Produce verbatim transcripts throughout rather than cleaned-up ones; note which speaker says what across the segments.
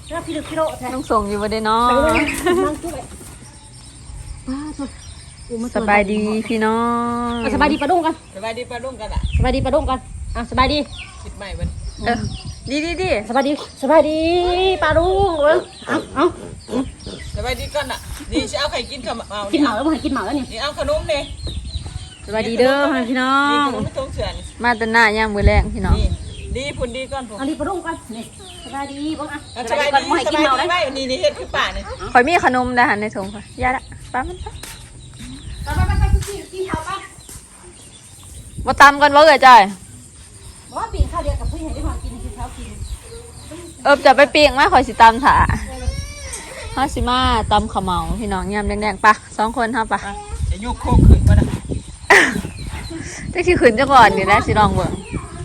Speaker 1: แล้วพี่ดึกพี่โลแทน
Speaker 2: ต้องส่งอยู่บ่ได้เนาะ
Speaker 1: นั่งช่วยป้าตัว
Speaker 2: สบายดีพี่น้อง
Speaker 1: สบายดีปลาดุ้งกัน
Speaker 3: สบายดีปลาดุ้งกันอ่ะ
Speaker 1: สบายดีปลาดุ้งกันอ่ะสบายดี
Speaker 3: คิดใหม่มัน
Speaker 2: เออดีดีดี
Speaker 1: สบายดีสบายดีปลาดุ้งเออเอาเอา
Speaker 3: สบายดีก่อนอ่ะนี่จะเอาไข่กินกับเอา
Speaker 1: กินเหมาแล้วมึงกินเหมาแล้วนี่
Speaker 3: นี่เอาขนมเนี่ย
Speaker 2: สบายดีเด้อพี่น้อ
Speaker 3: นี่
Speaker 2: ง
Speaker 3: ขนมไม่ต้องเฉื่อย
Speaker 2: มาแต่หน้าย่างมือแรงพี่น้อง
Speaker 3: นี่ดีพุ่นดีก่อนผม
Speaker 1: อันนี้ปลาดุ้งกันนี่สบายดีบ้างอ่ะ
Speaker 3: สบายดีสบายดีไม่นี่นี่เฮ็ดคือป่านี่
Speaker 2: ข่อยมีขนมได้หันในถุงค่ะยาละป้ามันไป
Speaker 1: ไปไปไปไปกินกินข้าวไป
Speaker 2: มาตำกันบ่เอ่ยจ้อย
Speaker 1: บอกว่าปีนข้าวเดียวกับผู้ใหญ่ได้มากินกินข้าวกิน
Speaker 2: เออจะไปปีกไหมข่อยสิตำถาฮาสิมาตำข้าวเหมาพี่น้องยำแดงๆปะสองคนเฮาปะ
Speaker 3: จะยุกโคกขึ้นมานะ
Speaker 2: จะขี้ขืนจะก่อนนี่แหละสิลองเบิ่ง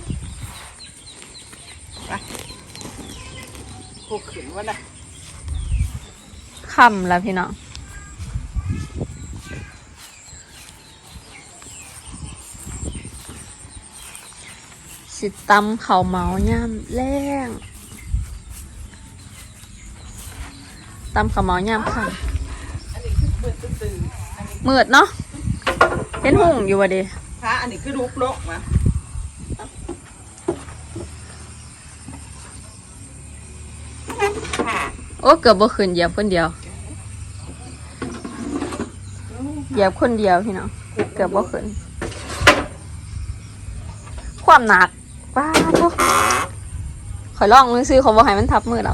Speaker 3: โคกขึ้นมานะ
Speaker 2: ค่ำแล้วพี่น้องสิตำข้าวเหมายำแรงตำข้าวเหมายำค่ะ
Speaker 3: อันนี้คือเบิดตื่นอันนี้
Speaker 2: มืดเนาะเห็นหุ่งอยู่วะดิ
Speaker 3: พระอันนี้คือลูกโลกมา
Speaker 2: โอ้เกือบบ่ขึ้นเหยียบคนเดียวเหยียบคนเดียวพี่น้องเกือบบ่ขึ้นความหนักป้าทุกขอยลองมือซื้อเขาบอกให้มันทับมือหรอก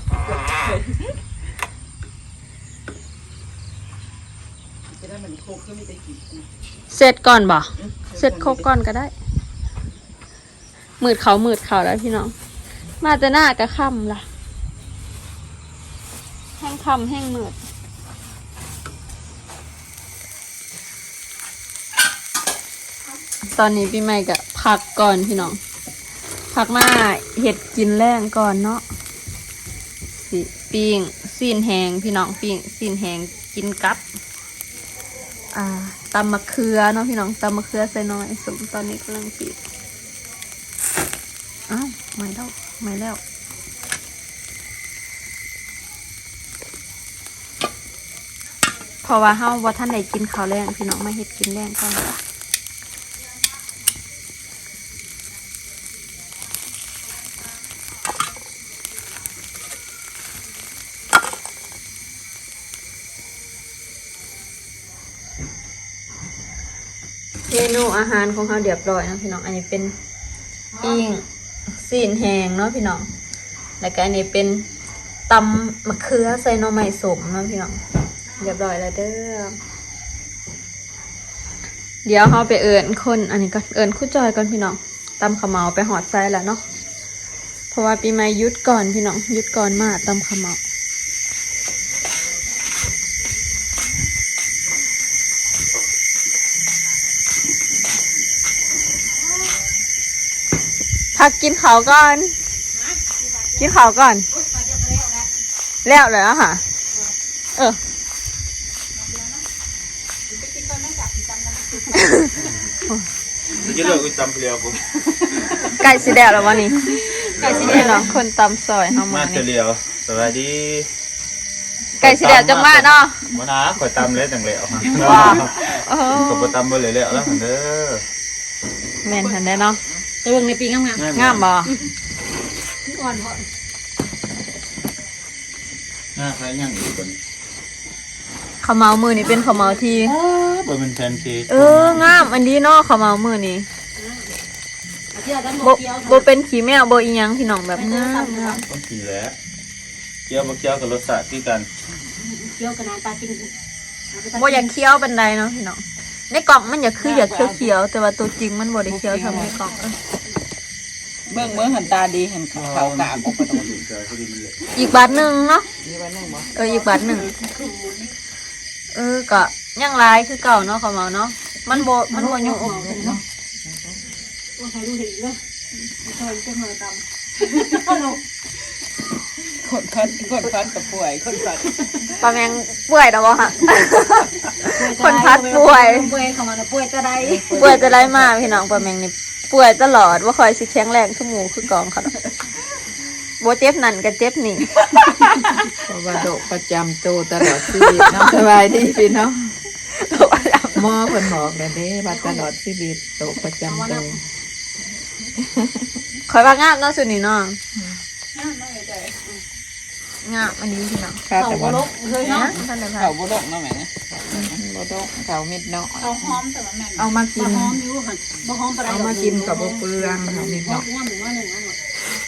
Speaker 3: จะได้มันโคกขึ้นไม่ได้กิน
Speaker 2: เสร็จก่อนบ่เสร็จครบก่อนก็ได้มืดเขามืดเขาแล้วพี่น้องมาแต่หน้ากะค่ำล่ะแห้งค่ำแห้งมืดตอนนี้พี่ใหม่ก็พักก่อนพี่น้องพักมาเห็ดกินแรงก่อนเนาะสิปิ้งซีนแหงพี่น้องปิ้งซีนแหงกินกับอ่าตำมะเขือเนาะพี่น้องตำมะเขือใส่น้อยสมตอนนี้กำลังปิดอ้าวไม่แล้วไม่แล้วเพราะว่าเฮาว่าท่านใดกินข้าวแรงพี่น้องมาเห็ดกินแรงก่อนจ้ะเมนูอาหารของเขาเรียบร้อยนะพี่น้องอันนี้เป็นปิ้งซีนแห้งเนาะพี่น้องแล้วก็อันนี้เป็นตำมะเขือใส่หน่อไม้สมเนาะพี่น้องเรียบร้อยแล้วเด้อเดี๋ยวเขาไปเอิญคนอันนี้ก็เอิญคู่จอยก่อนพี่น้องตำขาวเหมาไปหอดไส้แล้วเนาะเพราะว่าปีใหม่ยุดก่อนพี่น้องยุดก่อนมาตำขาวเหมาพักกินข้าวก่อนกินข้าวก่อนแล้วเลยอะค่ะเออ
Speaker 4: จะเลิกไปตำเปลียวผม
Speaker 2: ไก่สีแดงแล้ววะนี่ไก่สีแดงเนาะคนตำซอยเฮา
Speaker 4: มา
Speaker 2: มา
Speaker 4: เป
Speaker 2: นี่
Speaker 4: ลียวสวัสดี
Speaker 2: ไก่สีแดงจังมาเนาะ
Speaker 4: มานะข่อยตำเลยจังเหลว
Speaker 2: ว้าวโอ้
Speaker 4: ข่อยตำไปเลยแล้วแล้วเด้อ
Speaker 2: แม่นทันได้เนาะ
Speaker 1: ตัวเบิ่งในปีงามงาม
Speaker 2: งามบ่
Speaker 1: อ่อนพอ
Speaker 4: น่าใครยังอีกคน
Speaker 2: ข้าวเหมามือนี่เป็นข้าวเหมาที่
Speaker 4: บ่เป็นแฟนซี
Speaker 2: เอองามอันนี้เนาะข้าวเหมามือนี่
Speaker 1: เที่ยวด้าน
Speaker 2: บ่
Speaker 1: เที่ยว
Speaker 2: บ่เป็นขี้แมวบ่อีหยังพี่น้องแบบงามงาม
Speaker 4: ต้องขี่แล้วเกี่ยวบ่เกี่ยวกับรสชาติที่กัน
Speaker 1: เที่ยวกันนานตากิน
Speaker 2: บ่อยากเคี้ยวปานใดเนาะพี่น้องในกล่องมันอยากคืออยากเคี้ยวๆแต่ว่าตัวจริงมันบ่ได้เคี้ยวทำในกล่องเออ
Speaker 3: เบื้องเบื้องหันตาดีเห็นเขากาบออกไปตรงนี้
Speaker 2: อีกบาทหนึงเนาะ
Speaker 3: นี่วันนึงบ่
Speaker 2: เอออีกบาทหนึงเออก็ยังหลายคือเก่าเนาะข้าวเหมาเนาะมันบ่มันบ่ยุ่งอกเนาะ
Speaker 1: ว่าใครดูดีเลยใครจะมาตำ
Speaker 3: คนพันคนพันกับป่วยคนพัน
Speaker 2: ปลาแมงป่วยแล้วบ่ฮะ คนพัดป่วย
Speaker 1: ป่วยเข้ามาแล้วป่วยจะได้
Speaker 2: ป่วยจะได้มาพี่น้องปลาแมงนี่ป่วยตลอดว่าคอยสิแข็งแรงขึ้นหมูคือกองเขาดอกบ่เจ็บนั่นก็เจ็บนี่
Speaker 3: เพราะว่าโรคประจำตัวตลอดชีวิตเนาะสบายดีพี่น้องหมอเพิ่นบอกแล้วเด้ว่าตลอดชีวิตโรคประจำตัว
Speaker 2: คอยว่างามเนาะสุดนี่เนาะงามอันนี้พี่น้อง
Speaker 3: ค่ะแต่ว่า
Speaker 1: เลยเนาะ
Speaker 2: ท่านได้พา
Speaker 3: เขาบ่ดกเนาะแม่บ่ดกเขาเม็ดเนาะ
Speaker 1: เอาหอมแต่ว่าแม่น
Speaker 3: เอามากิ
Speaker 1: บ่
Speaker 3: น
Speaker 1: หอมอยู่หั่นบ่หอมปานใด
Speaker 3: เอามากินกับบ่เปลืองเขาเม็ด
Speaker 1: เนาะ
Speaker 3: เนาะ
Speaker 1: งามหรือว่าหนึ่งอันหมด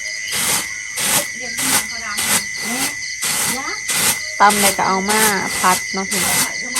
Speaker 2: ตำเลยก็เอามาพัดเนาะพี่น้อง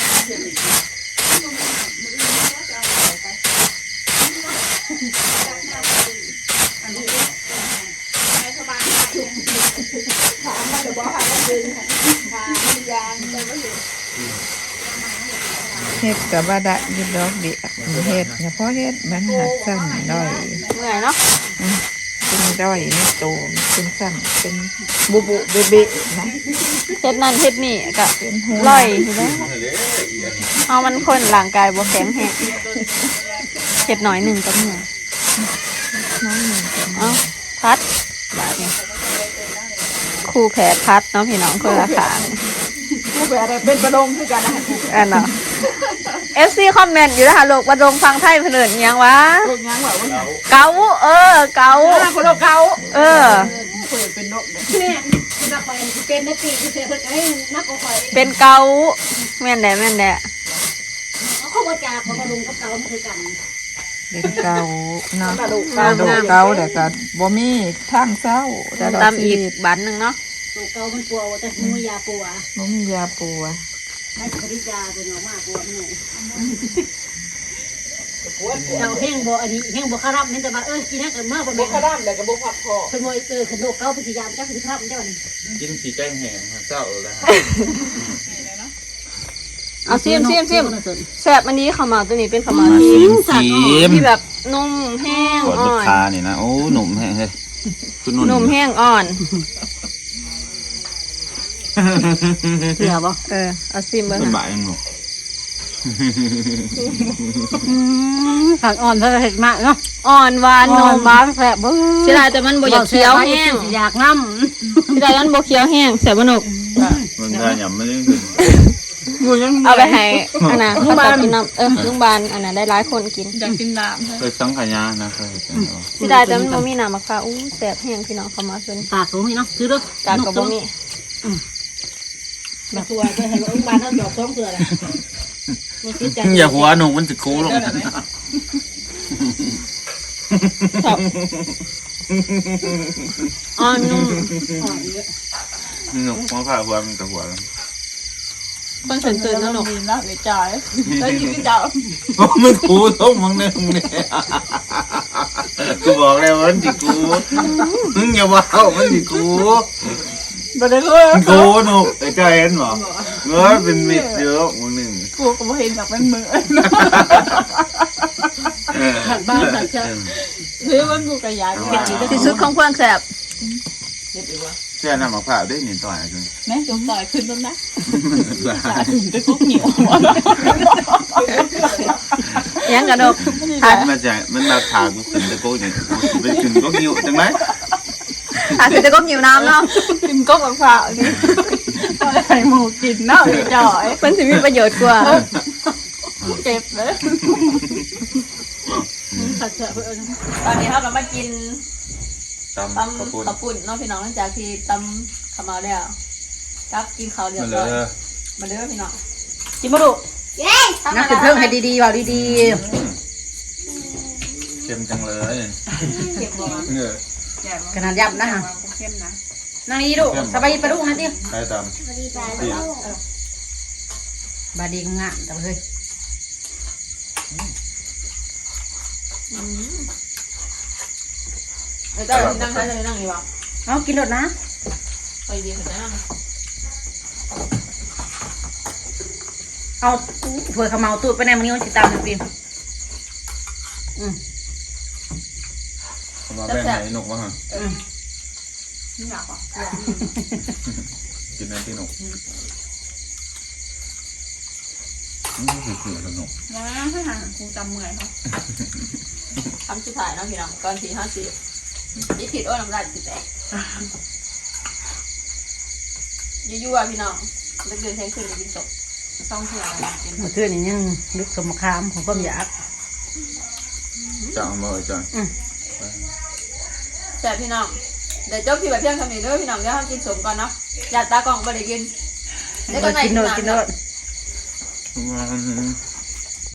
Speaker 3: เฮ็ดกับว่าได้อยิดดอกเดียวเฮ็ดเฉพาะเฮ็ดมันหักสั้นด้อย
Speaker 2: เมื่อยเนาะ
Speaker 3: เป็นด้อยไม่โตเป็นสั้นเป็นบุบุเบเบะนะ
Speaker 2: เฮ็ดนั่นเฮ็ดนี่ก็
Speaker 3: เป็นหัว
Speaker 2: ร่อยอยู่แล้วเอามันคนร่างกายบ่แข็งแรงเฮ็ดหน่อยหนึ่งก็เหนื่อย
Speaker 3: น้องหนึ่งเป็น
Speaker 2: เอาพัดบาดนี้ครูแผดพัดเนาะพี่น้องคนละขาง
Speaker 3: ผู้แบบอะไรเป็นประดงคือกันนะ
Speaker 2: อันเนาะ เอฟ ซี คอมเมนต์อยู่นะคะโลกบรงฟังไทยเพิ่นเอิ้นอิหยังวะ
Speaker 3: พวกยังแบบว่า
Speaker 2: เกาเออ เกา
Speaker 3: คนเราเก่า
Speaker 2: เออ
Speaker 3: เปิดเป็นนกเนี่ย
Speaker 1: แม่จะคอยเป็นนาทีที่เสียเพิ่นก็ให้นักก็คอย
Speaker 2: เป็นเกาแม่นแดะแม่นแดะ
Speaker 1: เอาเข้ามาจากของลุงกับเก่ามันคือกัน
Speaker 3: เป็นเก่าเนาะกระดูกเก่าแต่ก็บ่มีทางเศร้าแต่เรา
Speaker 2: ตาม
Speaker 3: ชี
Speaker 2: อีก
Speaker 3: วิต
Speaker 2: บันหนึงเนาะ
Speaker 1: ตัวเก่ามันปัวแต่มันมียาปัว
Speaker 3: บ่มียาปัว
Speaker 1: ไม่ผลิตยาตัวเนาะมากปัวมันเนี่ยเราแห้งบ่อันนี้แห้งบ่คารับมันแต่ว่าเออกินนั่นก็มากบ่แม่
Speaker 3: ขด้านแต่ก็บ่พักพอ
Speaker 1: เพิ่นบ่เออขนมเก่าพฤติยามจักสิครับเจ้านี่
Speaker 4: กินขี้ไก่แห้งเศร้าแล้ว
Speaker 2: เอาซิมซิมซิมแซ่บอันนี้ข้าวเหมาตัวนี้เป็นข้าวเหมาที่
Speaker 4: ซิมซิม
Speaker 2: ที่แบบนุ่มแห้ง
Speaker 4: กด
Speaker 2: อ่
Speaker 4: ลู
Speaker 2: อก น
Speaker 4: ค้านี่นะโอ้หนุ่มแห้งเฮ้ยคุณนุ่
Speaker 2: นุ่มแห้งอ่อน
Speaker 1: เสียบ่
Speaker 2: เออเอาซิมเบิ่ง
Speaker 4: เป็น
Speaker 2: ค่ะ
Speaker 4: บ่ายยังหนุ่ม
Speaker 1: ผักอ่อนซะเฮ็ดมากเนาะ
Speaker 2: อ่อนหวาน
Speaker 1: น
Speaker 2: นุ่
Speaker 1: อน
Speaker 2: ม
Speaker 1: บ้านแซ่บบ่
Speaker 2: เสียดายแต่มันบ่อยากเคี้ยวแห้ง
Speaker 1: อยากนำ
Speaker 2: เสียดายมันบ่เคี้ยวแห้งแซ่บบ่หนก
Speaker 4: มันได้หยำไม่ได้ถึง
Speaker 2: เอาไปให้อันน่ะเขาจะกินน้ำเออลุงบานอันน่ะได้หลายคนกิน
Speaker 3: อยากกินน้ำ
Speaker 4: เคยสังขยานะเคย
Speaker 2: เสียดายแต่มันบ่มีน้ำมะพร้าวอู้แซ่บแห้งพี่น้องเข้ามาส่วน
Speaker 1: ปากสูงนี่เนาะซื้อเด้อก
Speaker 2: ากก็บ่มี
Speaker 1: มาตัวจะให้ว่าอุ้งบ้านเฮาดอกสองเทื่อล่ะบ่คิดใจ
Speaker 4: อย่าหัวหนุ่มมันจะคูลง
Speaker 2: อ่อนนุ่ม
Speaker 1: อ่อนเยอะ
Speaker 4: หนุ่มหัวผ้าหัวมันกับหัวแล้ว
Speaker 2: เพิ่นตื่นๆแล้วหนก
Speaker 3: กินแล้วเดี๋ยวจ่ายแล้วกินก็จ่าย
Speaker 4: มึงคูต้องมึงเนี่ยมึงเนี่ยกูบอกแล้วมันจิกูมึงอย่าว้าวมันจิกู
Speaker 3: บ่ได้เลย
Speaker 4: กูหนุ่มไอ้เจ้าเห็นหรอเงยเป็นมิดเยอะมึงหนึ่ง
Speaker 3: กูก็บ่เห็นอยากเป็นมือ
Speaker 1: ผักบ้านผักเช้า
Speaker 3: หรือมันกูก็อยากกิน
Speaker 2: ที่สุดของเพื่อนแซ่บ
Speaker 4: เสื้อหน้ามะพร้าวได้หนึ่งต่อยจน
Speaker 3: แม่จงต่อยขึ้นต้นนะจ่ายถึงจะกุ๊กเหนียว
Speaker 2: ยังกระดก
Speaker 4: มันมาจากมันมาถากกูขึ้นตะโกนอย่างไปขึ้นก็หิวจังไหม
Speaker 2: อ่ะคือจะก้มหิวน้ำเนาะ
Speaker 3: กินก๊กกับข้าวนี่ไข่หมูกินเนาะจ่อย
Speaker 2: เพิ่นสิมีประโยชน์กว่า
Speaker 3: เก็บเลย
Speaker 1: ผักเช้าเพิ่น
Speaker 2: ตอนนี้เราก็มากิน
Speaker 4: ตำ
Speaker 2: ตำ
Speaker 4: ข้าวปุ้น
Speaker 2: ข้าวปุ้นเนาะพี่น้องหลังจากที่ตำข้าวเหมาแล้วกับกินข้าวเรียบ
Speaker 4: มาเล
Speaker 2: ร้อย
Speaker 4: ย
Speaker 2: มาเด้อพี่น้อง
Speaker 1: กินบ่ลูก
Speaker 2: เย้
Speaker 1: นักขึ้นเพิ่งให้ดีๆเว้าดี
Speaker 4: เค็มจังเลย
Speaker 2: เก็บบ่มา
Speaker 4: เออ
Speaker 1: ๆขนาดยับนะฮะ
Speaker 3: เข้มนะ
Speaker 1: นั่งนี่ลูกสบายดีปะลูกนะติ
Speaker 4: ใครตำดี
Speaker 1: บาดีงามแต่เฮ้ย
Speaker 2: เดี๋ยวเจ้านั่งท่านเลยนั่งอยู่บ่
Speaker 1: เอากินรถนะ
Speaker 2: ไปดีขึ้นนั่ง
Speaker 1: เอาเผื่อเขาเมาตูดไปในมันนี้มันสิตามมันปีนอืม
Speaker 4: มาแบ่งให้นกวะฮะ
Speaker 1: อืม
Speaker 3: นี่อยากอ่ะ
Speaker 4: กินในที่นกอืมคือคือสนุก
Speaker 3: มาให้หาคงจำเมื่อยเขา
Speaker 2: คำสุดท้ายเนาะพี่น้องก่อนที่ห้าสิบยี่ผิดโอ้น้ำลายสิแตกยั่วๆพี่น้องเดือนแทงคืนกินศพซ่องเถื่อนกิน
Speaker 1: เมื่อคืนนี้ยังลึกสมคามของความอยาก
Speaker 4: จังบ่จัง
Speaker 2: แต่พี่น้องเดี๋ยวจบที่แบบเพียงเท่านี้เด้อพี่น้องเดี๋ยวเรากินสมก่อนเนาะอยากตากล่องบ่ได้กินเดี๋ยวก็ไหน
Speaker 1: กินโนดกินโนด
Speaker 4: วัน